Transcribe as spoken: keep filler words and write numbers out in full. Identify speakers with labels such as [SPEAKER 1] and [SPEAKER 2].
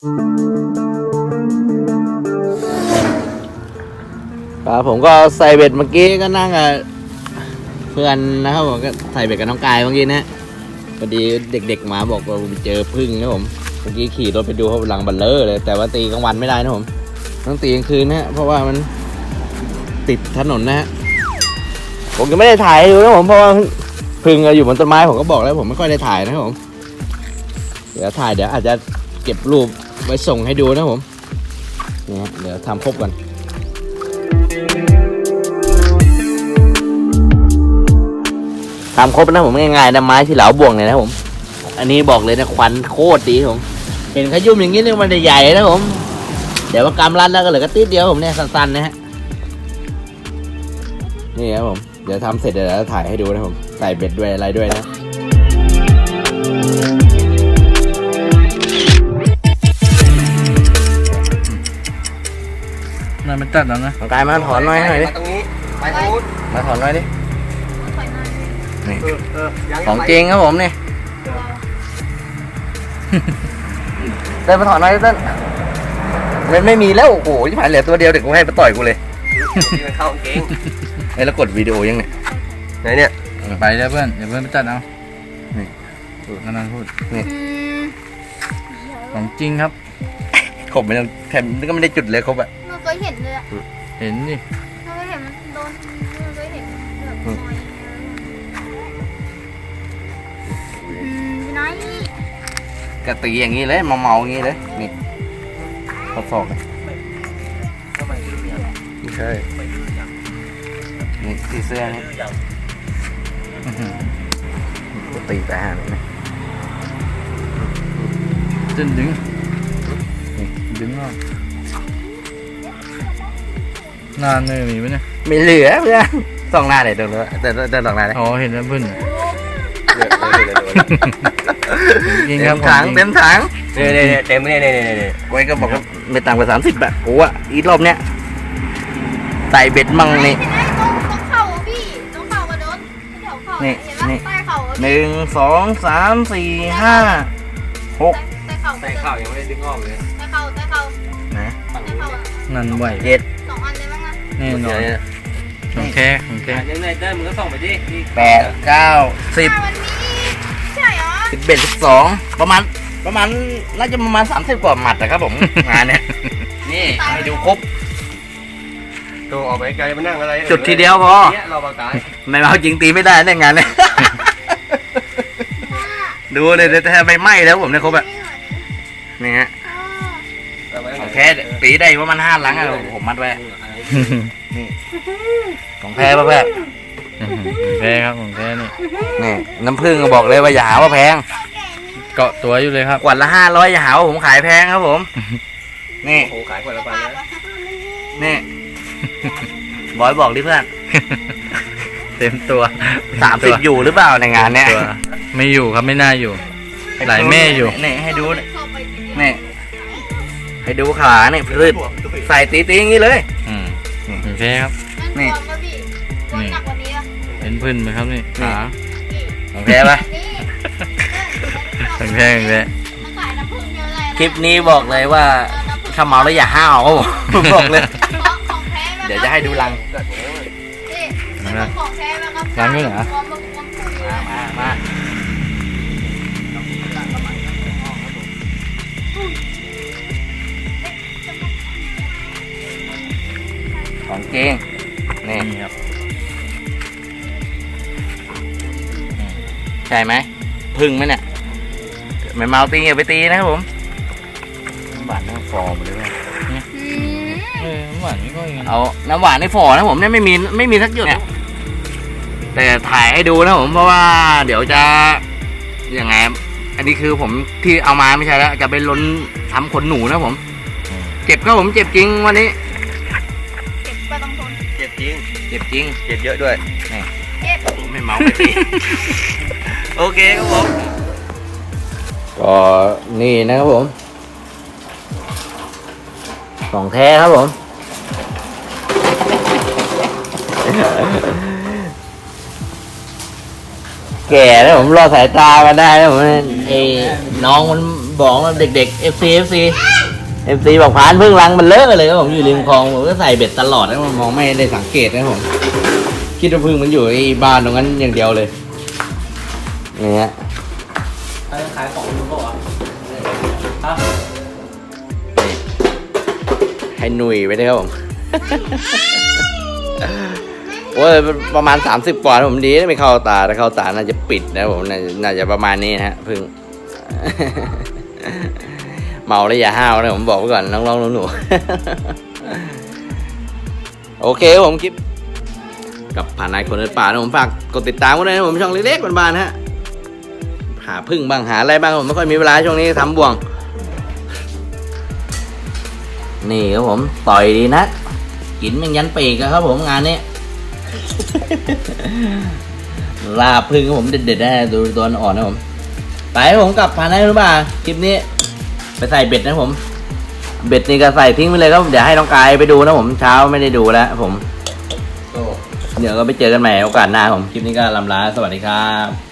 [SPEAKER 1] ครับผมก็ใส่เบ็ดเมื่อกี้ก็นั่งกับเพื่อนนะครับผมก็ใส่เบ็ดกับน้องกายเมื่อกี้นะพอดีเด็กๆมาบอกว่าไปเจอพึ่งนะผมเมื่อกี้ขี่รถไปดูเขาหลังบัลเลอร์เลยแต่ว่าตีกลางวันไม่ได้นะผมต้องตีกลางคืนนะฮะเพราะว่ามันติดถนนนะฮะผมยังไม่ได้ถ่ายให้ดูนะผมเพราะว่าพึ่งอยู่บนต้นไม้ผมก็บอกแล้วผมไม่ค่อยได้ถ่ายนะครับผมเดี๋ยวถ่ายเดี๋ยวอาจจะเก็บรูปไว้ส่งให้ดูนะผมนี่ฮะเดี๋ยวทำครบกันทำครบนะผมง่ายๆนะไม้ที่เหลาบ่วงเนี่ยนะผมอันนี้บอกเลยนะควันโคตรดีผมเห็นขยุ่มอย่างนี้เนี่ยมันใหญ่นะผมเดี๋ยวว่ากำรัดแล้วก็เหลือก็ติดเดียวผมเนี่ยสั้นๆนะฮะนี่ครับผมเดี๋ยวทำเสร็จเดี๋ยวจะถ่ายให้ดูนะผมใส่เบ็ดด้วยอะไรด้วยนะ
[SPEAKER 2] นั่นมันตัดแล้วนะ
[SPEAKER 1] กายมาถอนหน่อยหน่อยดิ
[SPEAKER 3] ตรงนี้ไปตรงนู้น
[SPEAKER 1] มาถอนหน่อยดินี่
[SPEAKER 3] เออเออยัง
[SPEAKER 1] ของจริงครับผมนี่เต้นมาถอนหน่อยเต้นมันไม่มีแล้วโอ้โหที่ผ่านเหลือตัวเดียวเด็กกูให้มาต่อยกูเลย
[SPEAKER 3] ที่มันเข้ากางเกง
[SPEAKER 1] ไอ้แล้วกดวิดีโอยังไง
[SPEAKER 3] ไหนเนี่ย
[SPEAKER 2] ไปแล้วเพื่อนเดี๋ยวเพื่อนไปตัดเอา
[SPEAKER 1] นี่
[SPEAKER 2] นั่นพูด
[SPEAKER 1] นี่
[SPEAKER 2] ของจริงครับ
[SPEAKER 1] ขบไม่ต้องแถมก็ไม่ได้จุดเลยครบอะ
[SPEAKER 4] หนูเคยเห็นเลยอะ
[SPEAKER 2] เห็นดิ
[SPEAKER 4] หนูเคยเห็นมันโดนหนูเคยเห็นแบบน้อยอืมพี่น้อย
[SPEAKER 1] กระตีอย่างนี้เลยเมาๆอย่างนี้เลยนี่ทดสอบเลยไม่ใช่นี่ที่เสื้อนี่กระตีไปหาเลยนะ
[SPEAKER 2] จนดึงดึงออกนานเลยมีไหมเนี่ย
[SPEAKER 1] ไม่เหลือเพื่อนสองหน้าเลยเดินเลยเดินเดินสองหน้าเลย
[SPEAKER 2] อ๋อเห็นแล้วเพื่อน จริง
[SPEAKER 1] เต็
[SPEAKER 2] ครับ
[SPEAKER 1] มถังเต็มถัง
[SPEAKER 3] เนี่ยเนี่ยเต็มเนี่ยเนี่ยเนี่ยเนี่ย
[SPEAKER 1] ไว้ก็บอกว่าไม่ต่ำกว่าสามสิบอะโอ้อะอีรอบเนี้ยใส่เบ็ดมั่งนี่
[SPEAKER 4] พี่น้อยตรงตรงเข่าอะพี่ตรงเข่ากระโดดแถวเข่า
[SPEAKER 1] นี่
[SPEAKER 4] เห็นปะ
[SPEAKER 1] นี่
[SPEAKER 4] ใต้เข่าอะ
[SPEAKER 1] หนึ่งสองสามสี่ห้าหก
[SPEAKER 4] ใต้เข่า
[SPEAKER 3] ใส่ข้าวยังไม่ได้ดึงออกเลย
[SPEAKER 4] ใต้เข่าใต้เข่า
[SPEAKER 1] นะ
[SPEAKER 4] ใต้เข่าอะ
[SPEAKER 2] นั่นไหว
[SPEAKER 1] เจ็ด
[SPEAKER 4] สองอันเลยมั้งนะ
[SPEAKER 2] แน่นอนของแท้ของแท้
[SPEAKER 3] ยังไงเดินมึงก็ส่งไปดิ
[SPEAKER 1] แปดเก้าสิบ
[SPEAKER 4] อ่ามันมีใช่เหรอ
[SPEAKER 1] สิบเอ็ดสิบสองประมาณประมาณน่าจะประมาณสามสิบกว่าหมัดนะครับผม งานเนี้ยนี่ให้ดูครบ
[SPEAKER 3] ตัวออกไปไกลมานั่งอะไร
[SPEAKER 1] จุดทีเดียวพอ
[SPEAKER 3] เนี่ยเราปากกาย
[SPEAKER 1] ไม่เอาจริงตีไม่ได้ในงานเนี้ย ดูเลยแต่แทบไม่ไหม้แล้วผมเนี่ยครบอะนี่ฮะของแท้ตีได้ประมาณห้าหลังอะผมมัดไว้นี่ของแท้ป่ะเพื่อน
[SPEAKER 2] ของแท้ครับของแท้นี่
[SPEAKER 1] นี่น้ำผึ้งก็บอกเลยว่าอย่าหาว่าแพง
[SPEAKER 2] เกาะตัวอยู่เลยครับ
[SPEAKER 1] ขวดละห้าร้อยอย่าหาว่าผมขายแพงครับผมนี่
[SPEAKER 3] โอ้ขายคนละพันนะ
[SPEAKER 1] นี่บอยบอกดิเพื่อน
[SPEAKER 2] เต็มตัว
[SPEAKER 1] สามสิบอยู่หรือเปล่าในงานเนี้ย
[SPEAKER 2] ตัวไม่อยู่ครับไม่น่าอยู่ หลายแม่อยู่
[SPEAKER 1] นี่ให้ดูนี่
[SPEAKER 4] เข้าไปทีเดียว
[SPEAKER 1] นี่ให้ดูขาเนี่ยพืชใส่ตีตีอย่างนี้เลย
[SPEAKER 2] อืมของแท้ครับ
[SPEAKER 4] นั่นความป่ะพี่ความหนักกว่านี้ป่ะ
[SPEAKER 2] เป็นพื้นไหมครับนี่ขา
[SPEAKER 1] ของแท้ปะ
[SPEAKER 4] นี่
[SPEAKER 2] ของแท้ของแท้
[SPEAKER 4] มันขายน้ำผึ้งเยอะเลย
[SPEAKER 1] คลิปนี้บอกเลยว่าถ้าเมาแล้วอย่าห้าวครับผมบอกเลย
[SPEAKER 4] ของแท้ไหม
[SPEAKER 1] เดี๋ยวจะให้ดูรัง
[SPEAKER 4] นี่ของแท้ไหมครับ
[SPEAKER 2] รังด้วยเหรอ
[SPEAKER 4] ความความผึ้ง
[SPEAKER 1] มามามาของจริงนี่
[SPEAKER 2] นี่ครับ
[SPEAKER 1] ใช่ไหมพึ่งไหมเนี่ยไม่เมาตีอย่าไปตีนะครับผมน้ำหวานน้ำฟอร์มเลยว่า
[SPEAKER 4] อืม
[SPEAKER 2] เออหวานไม่ก็อย่างนั้น
[SPEAKER 1] เอาน้ำหวานในฟอนะผมเนี่ยไม่มีไม่มีสักหยดเนี่ยแต่ถ่ายให้ดูนะผมเพราะว่าเดี๋ยวจะยังไงอันนี้คือผมที่เอามาไม่ใช่แล้วจะไปล้นทำขนหนูนะผมเจ็บครับผมเจ็บจริงวันนี้
[SPEAKER 4] เก็บก็ต้องทน
[SPEAKER 3] เจ็บจริง
[SPEAKER 1] เจ็บจริง
[SPEAKER 3] เจ็บเยอะด้วย
[SPEAKER 4] เก็บ
[SPEAKER 1] ไม่เมาไม่ตี โอเคครับผมก็นี่นะครับผมของแท้ครับผม แก่แล้วผมรอสายตามาได้แล้วผมไอ้น้องมันบอกว่าเด็กๆ เอฟ ซี เอฟ ซี เอฟ ซี บอกพานพึ่งรังมันเลอะเลยครับผมอยู่ริมคลองผมก็ใส่เบ็ดตลอดนะผมมองไม่ได้สังเกตนะผมคิดว่าพึ่งมันอยู่ในบ้านตรงนั้นอย่างเดียวเลยนี่ฮะ
[SPEAKER 3] ขายของอยู่เปล่าวะฮะ
[SPEAKER 1] ให้หนุ่ยไปด้วยครับผม โอ้ยประมาณสามสิบกว่าผมดีไม่เข้าตาถ้าเข้าตาน่าจะปิดนะผมน่าน่าจะประมาณนี้นะฮะพึ่ง เมาแล้วอย่าห้าวนะผมบอกไว้ก่อนน้องๆหนูๆ โอเคผมคลิปกับผ่านนายคนเดินป่านะผมฝากกดติดตามกันด้วยนะผมช่องเล็กๆบานๆนะฮะหาพึ่งบ้างหาอะไรบ้างผมไม่ค่อยมีเวลาช่วงนี้ทำบ่วงนี่ครับผมต่อยดีนะกินมันยันปีกครับผมงานนี้ ลาพึ่งครับผมเด็ดๆนะดูตัวอ่อนนะผมไปผมกลับผ่านนายคนเดินป่าคลิปนี้ไปใส่เบ็ดนะผมเบ็ดนี่ก็ใส่ทิ้งไปเลยครับเดี๋ยวให้น้องกายไปดูนะผมเช้าไม่ได้ดูแล้วผมเดี๋ยวก็ไปเจอกันใหม่โอกาสหน้าผมคลิปนี้ก็ลำลาสวัสดีครับ